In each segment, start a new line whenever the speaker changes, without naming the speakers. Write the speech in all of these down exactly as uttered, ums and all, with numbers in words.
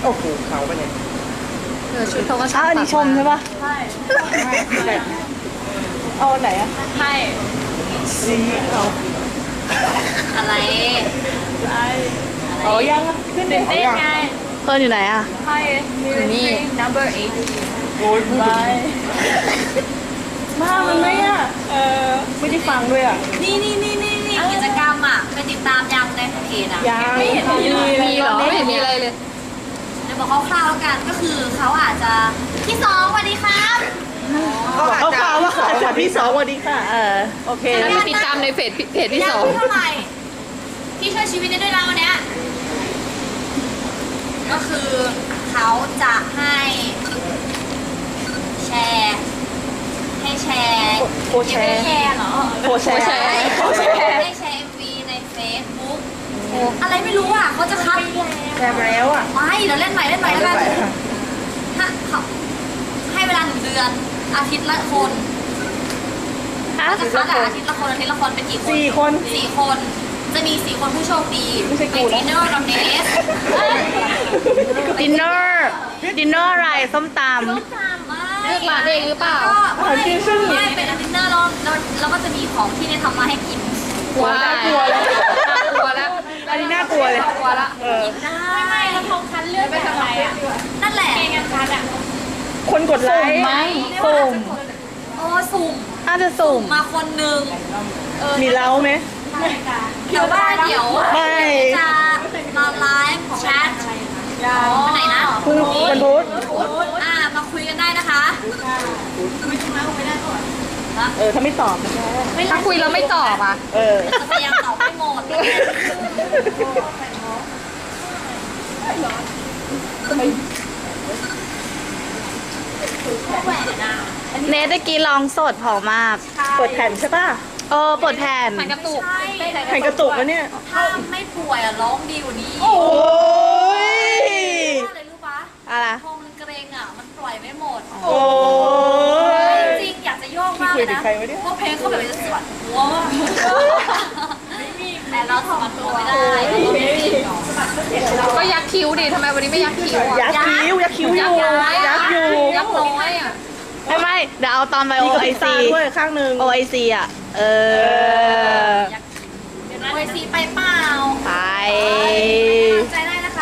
โอ้โหเขาไปเนี่ย
เออชุดเขาก็
อ้าวอันนี้ชมใช่ปะ
ใช่
เอาไหนอะ
ใช่
สีเอา
อะไร
ใช่
เอายังอะขึ้น
ตื่น
เอา
เต้น
ยัง
ไง
เพื่อนอยู่ไหนอ่ะ
ใช่นี่ number eight
โอ้ยพูด
ไป
มามันไหมอะเออไม่ได้ฟังด้วยอะ
นี่นี่นี่นี่นี่กิจกรรมอ่ะไปติดตามยังในเพจอ่ะ
ยัง
ไม่เห็นมีเลย
มีเหรอไม่เห็นมีอะไรเลยเดี๋ยวบอกคร่าวๆแล้วกันก็คือเขาอาจจะพี่สองสวัสดีครับ
เขาข่าวว่าขาจากพี่สองวันนี้ค่ะ
เออ
โอเค
แล้วไปติดตามในเพจเพจพี่สองเท่าไหร่ที่ช่วยชีวิตได้ด้วยนะวันเนี้ยก็คือเขาจะให้แชร์ให้แชร์
โคแชร์
แชร์เหรอ
โคแชร์โคแชร์
ให้แชร์ เอ็ม วี ใน Facebook อะไรไม่รู้อ่ะเขาจะคัด
แชร์ไปแล้วอะ
ไม่เดี๋ยวเล่นใหม่เล่นใหม่แล้วกันถ้าเขาให้เวลาหนึ่งเดือนอาทิตย์ละคนเขาจะคัดอะอาทิตย์ละคนอาทิตย์ละคนเป็นกี่คน
สี่คน
สี่คนจะมีสี่คนผู้โชคดี
ไม่ใช่กู
เป็น
นะ
ดินเนอร์นอนเนส
ดินเนอร์ดินเนอร์อะไรส้มตำ
เลือกร้านเองหรือเปล่าไม่ไม่เป็นดินเนอร์แล้วแล้วก็จะมีของที่เนี่ยทำมาให้กิน
กลัวน่ากลัวเลย
น่ากลัวแล้ว
อันนี้น่ากลัวเลย
กลัวละ
เออ
ไม่ไม่แล้วทองคันเลือกแบบอะไรอ่ะ
นั่นแหละ
เกงกันคันอ่ะ
คนกดไลค์
สุ่ม
โอ้สุ่ม
น่าจะสุ่ม
มาคนหนึ่ง
มีเล้าไหม
เดี๋ยวว่าเดี๋ยว
ไม่
จะมาไลฟ์แชทวันไหนนะ
พรุ่งนี้วันพุธ
อ่ามาคุยกันได้นะคะ
เออถ้าไม่ตอบ
ถ้าคุยแล้วไม่ตอบอ่ะ
เออ
จะพยายามตอบให้หมดแหวนอ่ะ
เนทตะกี้ร้องสดผอมมาก
เปิดแผ่นใช่ป่ะ
เออเปิดแผ่น
มันกระตุก
แผ่นกระตุกแล้วเนี่ย
ถ้าไม่ป่วยอ่ะร้องดีกว่านี้
โอ้ย
อะไรรู้ปะ
อะไร
พอมันเกรงอ่ะ มันปล่อยไม่หมด
โอ้ย
จริงๆอยากจะโยกมากเลยนะ
คุยกับใครวะเนี่ย
เพราะเพลงเขาแบบจะสวดหัวมากแต่เราถอดตัวไม่ได้
ก็ยักคิ้วดิทำไมวันนี้ไม่ยักคิ้วอ่ะ
ยักษ์คิ้วยักษ์คิ้วอยู่ยักษ์อยู่
ยักน้อยอ่ะ
ไม่ไม่เดี๋ยวเอาตอนไปโอ
มีกระ
ไอ
พริบตา
ซี
ด้วยข้างหนึ่ง
โอไอซีอ่ะ เออ
โอยซีไปเปล่า
ไป
ใจได้นะคะ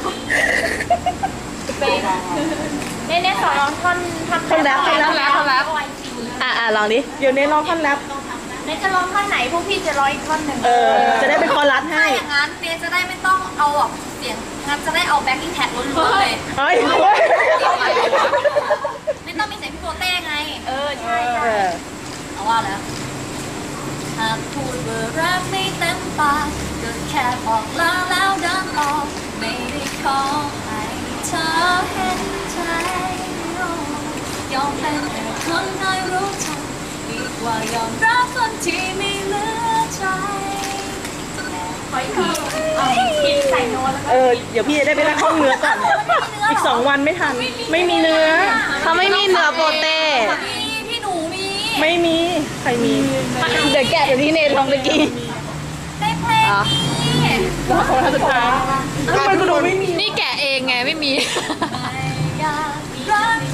เน่เน่สอนร้องท่อนท่อน
ท่อนแรปท่อนแรป
แล้วท่อนแล้ว
อ่ะอ่ะลองดิ
เดี๋ยวเน้นร้องท่อนแรป
เน่จะร้องท่อนไหนพวกพี่จะร้องอีกท่อนหนึ่ง
เออ จะได้เป็นคอรัส
ถ้า
ให้
อย่างนั้นเนยจะได้ไม่ต้องเอาแบบเสียงงั้นจะได้เอาแบ็คกิ้งแท็กล้วนๆเลย
เฮ้ยเฮ้ย
ไม่ต้องมีเสียงพี่โปเต้ไง
เออใช่
เออ
เอาว่าแล้วหากพูดว่ารักไม่เต็มปากก็แค่บอกลาแล้วเดินออกไม่ได้ขอให้เธอเห็นใจยอมเป็นแค่คนน้อยรู้ใจดีกว่ายอมรับคนที่ไม่เหลือใจ
ขออีกทีกินใส่โน้ตแล้วก็
เออ เดี๋ยวพี่จะได้ไปนั่งห้องเนื้อก่อน อีกสองวันไม่ทัน ไม่มีเนื้อ
เขาไม่มีเนื้อโปเต้
มีพี่หนูมี
ไม่มี ใครมี
เดี๋ยวแกะเดี๋ยวที่เนทร้องตะกี้
ได้เพลงนี้
แล้วเขาทำสุดท้ายทำไมกูดูไม่มี
นี่แกะเองไงไม่มี
ไม่อยากรัก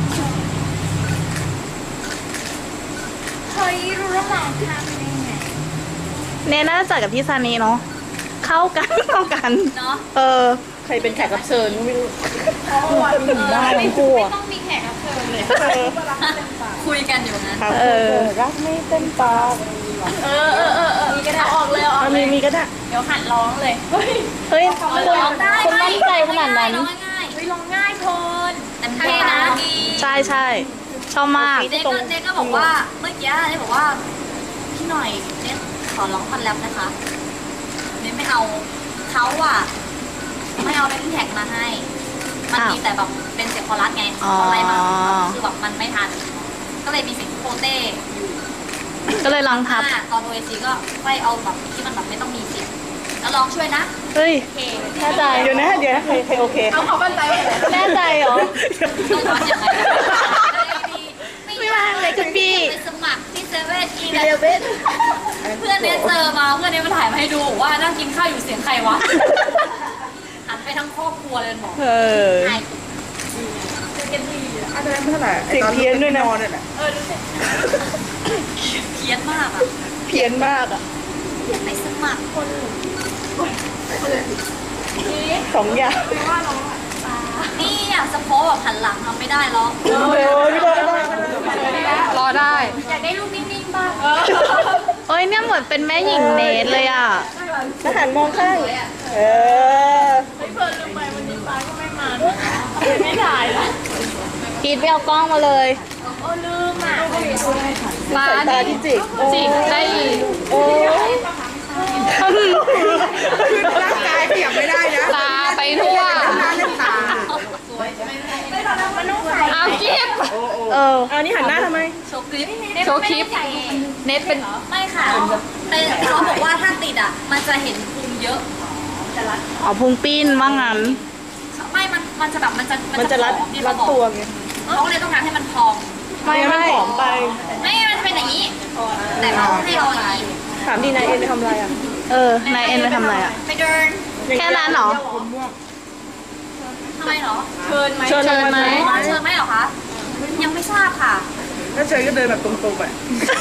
เฮ้ยรู้แล้วแหละทำยังไง
เนทน่าจะจัดกับพี่ซานีเนาะ เข้ากัน เข้ากัน
เนาะ
เออ
ใครเป็นแขกรับเชิญก็ไม่รู้
ได้
ไม่กลัว
ต้องมีแขกรับเชิญเลย
เออ
คุยกันอยู่นะ
ครับ
เออ
รักไม่เต็มปาก
เออเออเออเออมีก็ได้ออกเลยออก
อ่ะ
เล
มี
ย
มีก็ได้
เดี๋ยวหัดร้องเลย
เฮ้ยคุณ
ร้องได้
คุณมั่นใจขนาดนั้น
ร้องง่าย
เฮ้ยร้องง่ายคน
เต็มที่นะดี
ใช่ใช่ชอบมาก
เจ๊ก็เจ๊ก็บอกว่าเมื่อกี้เจ๊บอกว่าพี่หน่อยเจ๊ขอร้องพันแรปนะคะเจ๊ไม่เอาเขาอะไม่เอาแบ็คกิ้งแท็กมาให้ มันมีแต่แบบเป็นเสียงคอรัสไง
อ๋อ
อะไรมาคือแบบมันไม่ทัน ก็เลยมีเสียงโปเต้อยู่
ก็เลยลองทับ
อ่าตอนโอเอซีก็ไปเอาแบบที่มันแบบไม่ต้องมีเสียงแล้วร้องช่วยนะ
เฮ้ย
โอเค
แน่ใจ
เดี๋ยวนะ เดี๋ยวนะ ใครใครโอเค
เอาเขาบันไดไว้เลย
แน่ใจเหรอ
ต้องทำยังไงไม่
ไม่ว่างเลยคุณพี่
ไปสมัครที่เซเว่นอีเลเว่นเพื่อนเนี่ยเจอมาเพื่อนเนี่ยมาถ่ายมาให้ดูว่านั่งกินข้าวอยู่เสียงใครวะหันไปทั้งครอบครัวรัวเลยบอก
เออ
ใช่
อาจจะได้ไม่เท่าไหร่
เสียงเพี้ยนด้วยนะ
นอนเนี่ยแหละ
เพี้ยนมากอ่ะ
เพี้ยนมากอ่ะ
ไปสมัครคน
สองอย่าง
นี่อ่ะสะโพกแบบหันหลังทำไม่ได้หรอก
โอ้ยไม่ได้ไม่ได้
รอได้
อยากได้รูปนิ่งๆบ้าง
เอ้ยเนี่ยเหมือนเป็นแม่หญิงเนทเลยอ่ะ
ทหารมองข้างเออ
พีทไปเอากล้องมาเลย
สายตาที่จิก
จิกได้อีก
โอ้ย
ร่างกายขยับไม่ได้นะ
ตาไปทั่ว
หน้าเล่นตา
เอากิฟเออ
เอานี่หันหน้าทำไม
โชว์คลิป
โชว์คลิป เน็ตเป็น
ไม่ค่ะแต่เขาบอกว่าถ้าติดอ่ะ มันจะเห็นพุงเยอะ
อ๋อพุงปิ้นว่างั้น
ไม่ มัน มันจะแบบ มันจะ
มันจะรัด
ผอมที่
รั
เขา
ด
บอก
ตัวไง
เขาเลยต้องการให้มันพอง
ไม่
งั้นมัน
ไม่
ผอมไป
ไม่ มันจะเป็นอย่างนี้ แต่เขาให้เราอย่างนี้
ถามดีนายเอ็นไปทำอะไรอ่ะ
เออนายเอ็นไปทำอะไรอ่ะ
ไปเดิน
แค่นั้นเหรอ
ทำไมเหรอ
เชิญ
เชิญไหม
อ๋อเชิญไหมเหรอคะ ยังไม่ทราบค่ะ
ถ้าเจอก็เดินแบบตรงๆไป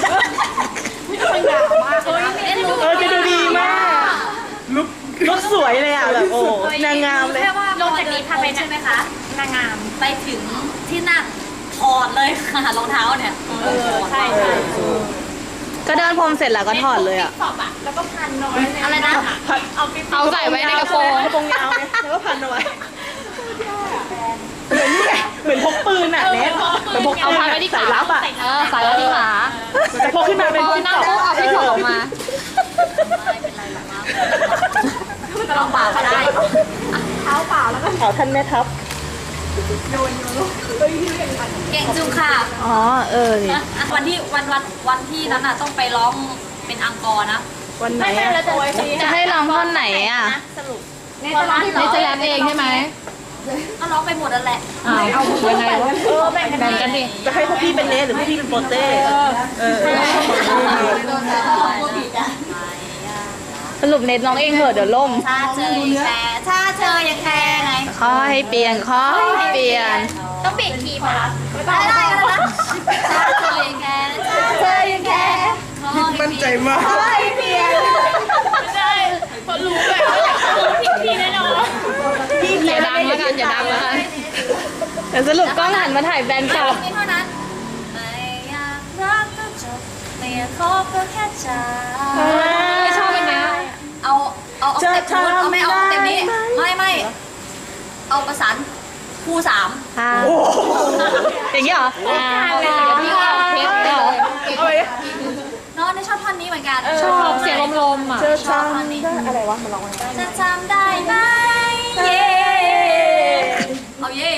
เอ็นรู้
เออจะดูดีมาก
ลุก
ลุกสวยเลยอ่ะแบบโอ้นางงามเลย
แค่ว่า
ลงจากนี้พาไปนะ
ใช่ไหมคะ
นางงาม
ไปถึงที่นั่งถอดเลยค่ะรองเท้าเนี่ย
ใช่ใช่
ก็เดินพรมเสร็จแล้วก็ถอดเลยอ่ะ
สอบอ่ะ แล้วก็พันน้อย
อะไรนะ
เอาปิ๊บ
เอาใส่ไว้ในกระโปรง
กระโปรงยาวไงแล้วก็พันเอาไว้เหมือนนี่ไงเหมือนพกปืนอ่ะเน็ตเหมือนพกปืน
เอาพันไว้ที่
สา
ขาย
ลับอ่ะ
เออใส่ไว้ที่ขา
แต่พกขึ้นมาเป็น
พอ
จิ้ง
นั่ง
จอก
ปุ๊บเอาที่ถอดออกมา
ไม่เป็นไรหรอกนะเอาเปล่าก็ได้
เอาท่านแม่ทัพ
เก่งจุงค่ะ
อ๋อ เออนี่
อ่ะวันที่วันวันวันที่นั้นน่ะต้องไปร้องเป็นอังกอร์นะ
วันไหน
ไม่ใช่
อะ
แล้วจะไว้ที
จะให้ร้องท่อนไหนอ่ะ
สรุป
ในตอนที่
เนทจะแรปเองใช่ไหม
ก็ร้องไปหมดนั่นแหละ
อ้าวยังไงวะ
เออแบ่งกัน
แบ่งกันดิ
จะให้พวกพี่เป็นเนสหรือพวกพี่เป็นโปเต้เออ
สรุปเน็ตร้องเองเหอะเดี๋ยวล่ม
ถ้าเจอยังแคร์ถ้าเจอยังแคร์ไง
ขอให้เปลี่ยนขอให้เปลี่ยน
ต้องเปลี่ยนคีย์ป่ะ
ได้ได้กันแล้วนะถ้าเจอยังแคร์ถ้าเจอยังแคร์ขอให้
มั่นใจมาก
เปลี่ยน
ไม่ได้เพราะรู้แบบว่าอยากจะรู้ผิดทีแน่นอน
อย่าดังแล้วกันอย่าดังแล้วกันเดี๋ยวสรุปกล้องหันมาถ่ายแบนกลับ
ไม่เท่านั้นไม่อยากรักก็จบไม่อยากคบก็แค่ใจ
ไม่ชอบอันเนี้ย
เอาเอาเอาเต็มนู้นเอาไม่เอาเต็มนี้ไม่ไม่เอาประสานคู่สาม
ค่ะอย่างนี้เหรออ่าเดี๋ยวพี่เอาเทปเหรอ
น้องได้ชอบท่อนนี้เหมือนกัน
ชอบเสียงลมๆอ่ะ
เจอจำได้อะไรวะมาลองมา
จะจำได้ไหมเย่เอาเย่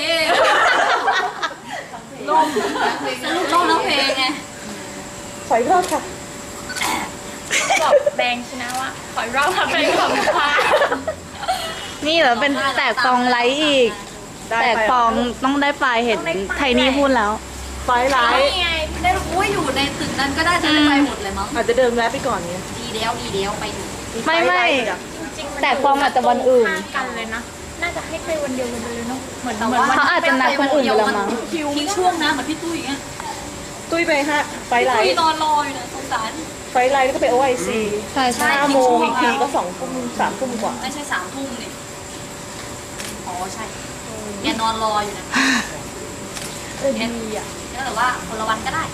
ลมสรุปลมแล้วเพลงไง
ขออีกรอบค่ะ
บอกแดงชนะว่าขออีกรอบค่ะเป็นของฟ้า
นี่เหรอเป็นแตกฟองไลท์อีก
ได้
แตก
ไป
ฟองต้องได้ปลายเห็นไทนี่พูดแล้ว
ไฟไลท์
นี่ไง
ได้รู้ว่าอยู่ในตึกนั้นก็ได้จะได้ไปหมดเลยมั้ง
อาจจะเดินแวะไปก่อนเนี้ย
ดีเดียวดีเดียวไปดู
ไม่ไม่
จริงๆมัน
แตกฟองอาจจะวันอื่น
ข้างกันเลยนะ น่าจะให้ไปวันเดียวกันไปเลยเนาะ เหมือน
แต่
เหมือน
ว่า
วัน
เขาอาจจะนัดคนอื่นไปแล้วมั้ง
ทิ้งช่วงนะเหมือนพี่ตุ้ยอย่างเงี้ย
ตุ้ยไปฮะไฟไล
ตุ้ย
ท์
นอนรออยู่นะสงสาร
ไฟไลท์แล้วก็ไปโอไอซี
ใช่ใช่
ห้าโมงอีกทีก็สองทุ่มสามทุ่มกว่า
ไม่ใช่สามทุ่มนี่อ๋อใช่แกนอนรออยู่นะ
เออดีอ่ะ
แล้วแต่ว่าคนละวันก็ได้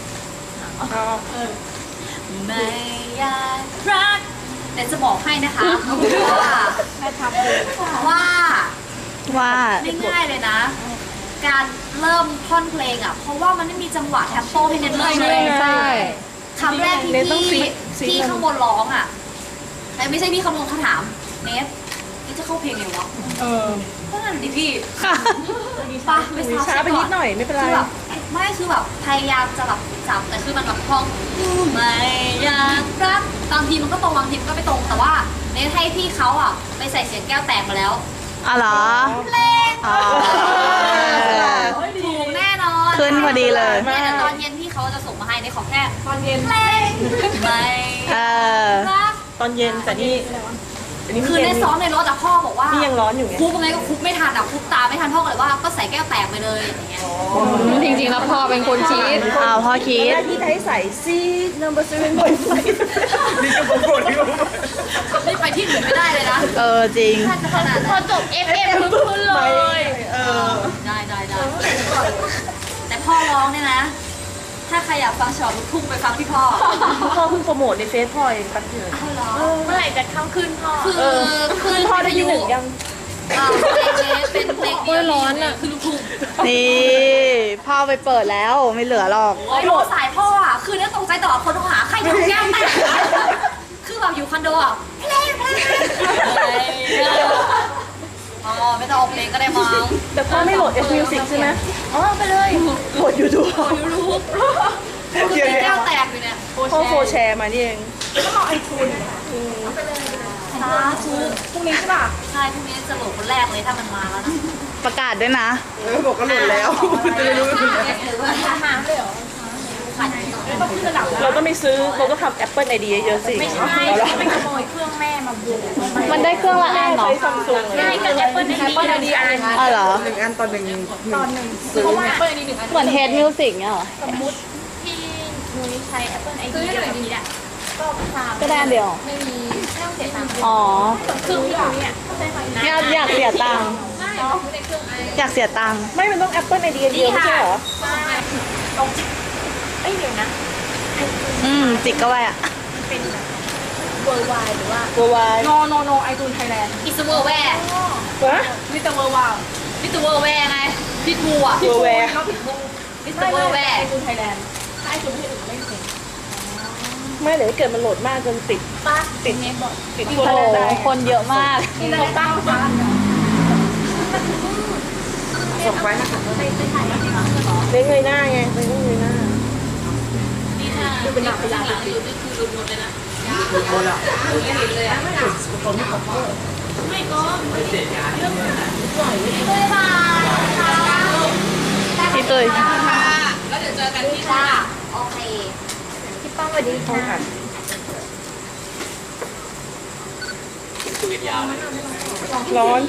ไม่อยากรักแต่จะบอกให้นะคะว่าว่า
ว่า
ไม่ง่ายเลยนะ การเริ่มท่อนเพลงอ่ะ เพราะว่ามันไม่มีจังหวะแทมโปให้เน้นเริ่มเลย
ใช่
คำแรกที่
เน้นต้อง
พี่
ฟิกฟิก
พี่ข้างบนร้องอ่ะแต่ไม่ใช่พี่ข้างบนเขาถามเนสนี่จะเข้าเพลงไงวะ
เออ
ก็นั่นดิพี่ปะไป
ช้าไปนิดหน่อยไม่เป็นไร
คือแบบไม่คือแบบพยายามจะแบบจับแต่คือมันแบบพองไม่อยากรักบางทีมันก็ตรงบางทีมันก็ไม่ตรงแต่ว่าเนสให้พี่เขาอ่ะไปใส่เสียงแก้วแตกมาแล้ว
อ๋อเหรอ
เพลง
อ๋อ
ถูกแน่นอน
ขึ้นพอดีเลย
เนี่ยตอนเย็นพี่เขาจะส่งมาให้ในขอแค่ตอนเย็นเพลงไม่
เออ
รัก
ตอนเย็นแต่นี่อันนี้
คือ
เย็
ใน
น
ซ้อมในรถอะพ่อบอกว่า
มียังร้อนอยู่ไง
คุกยังไงก็คุกไม่ทันอ่ะคุกตาไม่ทันพ่อก็เลยว่าก็ใส่แก้วแตกไปเลยอย่างเงี้ย
จริงๆแล้วพ่อเป็นคนคิด
อ้าวพ่อคิดที่ให้ใส่ซีนัมเบอร์เซเว่นพอยต์ไฟ
นี่ก็โกรธที่ว่า
นี่ไปที่อื่นไม่ได้เลยนะ
เออจริง
ถ้าจะขนาด
พอ
นั้น
จบ เอฟ เอ็ม ขึ้นเลย
เออ
ได้ได้ได้แต่พ่อร้องเนี่ยนะ ถ้าใครอยากฟังฉบับลูกทุ่งไปฟังที่พ่อ
พ่อเพิ่งโปรโมทในเฟซพ่อเองแป๊บเดียว
เมื่อไหร่จะเข้าขึ้นพ่อ
คือคือ
พ่อได้ที่หนึ่งยัง
อ่าเพลงนี้เป็นเพลงเดียวร้อนอ่ะคือลูกทุ่ง
นี่พ่อไปเปิดแล้วไม่เหลือหรอก
โอ้ยโทรสายพ่ออ่ะคือเนี่ยตกใจต่อคนโทรหาใครทำแก้วแตกคือแบบอยู่คอนโดอ่ะเพลงเพลงอ๋อไม่ต้องเอาเพลงก็ได้มั้ง
แต่พ่อไม่โหลด F Music ใช่ไหม
อ๋อไปเลย
โหลด YouTube
ยูทูบคือเพลงแก้วแตกอยู่เนี่ย
พ่อโฟร์แชร์มานี่เอง
สาธุพรุ่งนี้ใช่ป่ะใช่พรุ่งนี้จะโหลดคนแรกเลยถ้ามันมาแล้วนะ
ประกาศด้วยนะ
เออบอกก็หลุดแล้วจะได้รู้ว่าคุณ
น้ำเลยเหรอ
เราต้องไปซื้อเราต้องทำ Apple ไอ ดี เยอะๆสิ
ไม่ใช่
เอาละ
ไปขโมยเครื่องแม่มาบู
มันได้เครื่องละอันเหรอ
ใช้ซัมซุงเล
ใช่
ย
กับแอปเปิลไอดีอันนี้อัน
อ๋อเหรอ
หนึ่งอันต่อหนึ่งหนึ่ง
เพราะว่าแอปเปิลไอดีหนึ่งอัน
เหมือนเฮดมิวสิกเนี่ยเหรอ
สมมุติที่นุ้ยใช้แอปเปิลไอดีเดียวกับนี้แหละก็ทำ
ก็ได้อันเดียว
ไม่มีไม่ต้องเสียตังค์
อ๋อ
เครื่องที่นุ้ยอ่ะเข้าใจไหมนะ
อยากอยากเสียตังค์
ไม่ต้องในเครื่องไอ
อยากเสียตังค์
ไม่มันต้อง Apple ไอ ดี เดียวไม่ใช่เหรอ
ใช่ตรงเอ้ยเดี๋ยวนะ
อืมจิกก็ไว้อะ
เป็นแบบเวอร์ไวหรือว่า
Worldwide
โนโนโนไอจูนไทยแลนด์
อิสเวอร์แวร์
วะ
มิสเตอร์เวอร์วาว
มิสเตอร์เวอร์แวร์ไงพี่ทูอ่ะ
Worldware
ก็ผิดบู
มิสเตอร์เวอร์แวร์
ไอจูนไทยแลนด์ถ้าไอจูนไม่ใช่อื่นไม่เป็น
ไม่เดี๋ยวเกิดมันโหลดมากจนติด
ป้าติดเน็ตบอร์ด
ติด
โอ้
ตัว
โห
แรกได้
คนเยอะมาก
นี่เราตั้งฟ้า
ส่งไว้นะคะ
ไปไปถ่ายแล้วจริงเหรอ
เล่นเงยหน้าไงเล่นเงยหน้า
นี่ถ้าเป็นหลักเป็นหลักอยู่นี่คือรวมๆเลยนะไม่เห็นเลยอ่ะไม่ก็ไม่ก็บ๊ายบายค่ะ
พี่ตุ้ย
แล้วเดี๋ยวเจอกันที่จ้าโอเค
พี่ป้องสวัสดีค่ะ
ร้อนสิ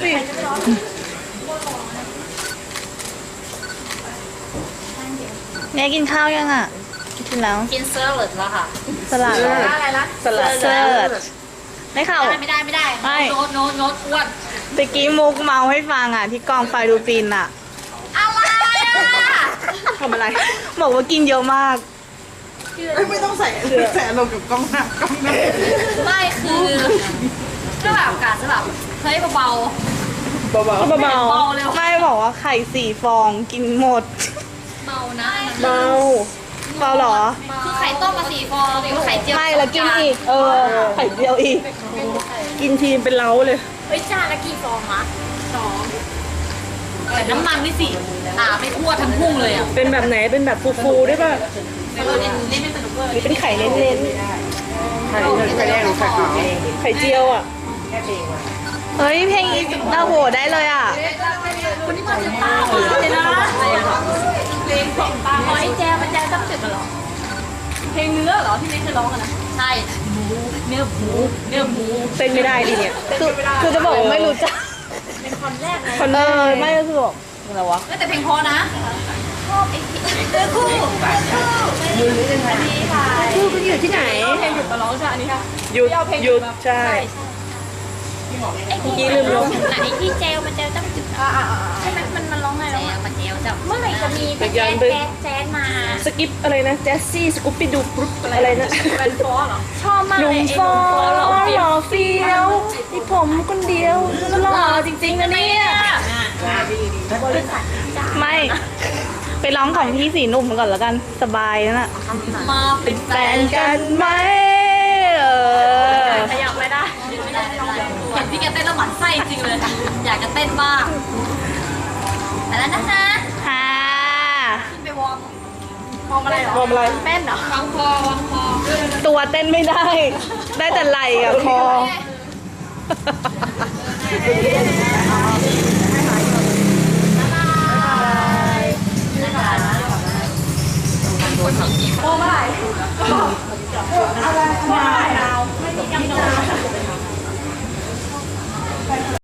แม่กินข้าวยังอ่ะ กินแล้ว
กินเซอร์เลดแล้วค่ะ
สลัดเหรอ
อะไรล่ะ
สลัด
เซิร์ชไม่เข้า
ไม่ได้ไม่ได้
ไม่
โน้ตโน้ตโน้ตอ้วน
ตะกี้มุกเมาให้ฟังอ่ะ ที่กองไฟดูฟินอ่ะ
อะไรอ่ะ
ทำอะไร
บอกว่ากินเยอะมาก
ไม่ต้องใส่ใส่ลงกับกล้องหน้ากล้องหน้า
ไม่คือก็แบบกาจะแบบเฮ้ยเบา
เบา
เบา
ๆเบาเร็ว
ไม่บอกว่าไข่สี่ฟองกินหมด
เบานะ
ๆเบา
เปล่าเหรอ
คือไข่ต้มมาสี่ฟองแล้วไข่เจียว
ไม่แล้วกินอีก เออ ไข่เดียวอีก
กินทีมเป็นเล้าเลย
เฮ้ยจานละกี่ฟองอะสอง
แต่น้ำมันนี่สิอ่าไม่ทั่วทั้งพุ่งเลยอ่ะ
เป็นแบบไหนเป็นแบบฟูๆได้ป่ะ
เออเนี่ยนี่ไม่สนุกเลย
หรือเป็นไข่เน้น
ไข่ไข่แดงหรือไข่ขาว
ๆไข่เจียวอ่ะ
เฮ้ย เพลงอีกดาวโหได้เลยอ่ะ
วันนี้มาถึงป้าเลยนะ
เพลงของป้าอ๋อไอแจมันแจต้องจุดกันเหรอ เพลงเนื้อเหรอที่ไม่เคยร้องกันนะ
ใช่หมูเนื้อหมูเนื้อหมู
เต้นไม่ได้ดิเนี่ย
คือคือจะบอกว่าไม่รู้จัก
เป็นคอนแรกไง
คอน
เอ
เนอ
อ
ร์
ไม่รู้สึกบอกอะไรวะ
แต่เพลงพอนะชอบไอ้เนื้อคู่
นี่ค่ะ
คู่คุณอยู่ที่ไหน
เพลงหยุดมาร้องใช่ไหมอันนี้ค่ะ
หยุดหยุดใช่
ไอ้ที่
เมื่อกี้ลืมร้อง
ไหนที่เจลมันเจลต้องจุดอ่าอ่าใช่ไหมมันมันร้องไง
แจ
แล้ว
วมาแจวจับ
เมื่อไหร่จะมีเป็นแจ๊สแจ๊สแจ๊สมา
สกิปอะไรนะแจสซี่สกูปปี้ดูกรุ๊ปอะไรนะ
แวนฟอเหรอ ชอบมาก
ห
เล
นุ่
ย
ม
ไอ้
ฟอ
หนุ่มฟอหล่อ
หล่อเฟี้ยวที่ผมคนเดียวหล่อจริงๆนะเนี่ย
ไม่ ไปร้องของพี่สีหนุ่มก่อนแล้วกัน สบายนั่นน่ะ
มาเป็นแฟ
แฟ
น
นกันไหมเออ
ขยับไม่ได้
ไม่ได้ไม่ได้เห็นพี่แกเต้นแล้วหมั่นไส้จริงเลย อยากจะเต้นบ้างแต่แล้วนะคะ
ค่ะ
ขึ้นไปวอร์ม
มองอะไรเหรอ
มองอะไร
เต้นเหรอ
วางคอวางคอ
ตัวเต้นไม่ได้ ได้แต่ไหล่กับคอ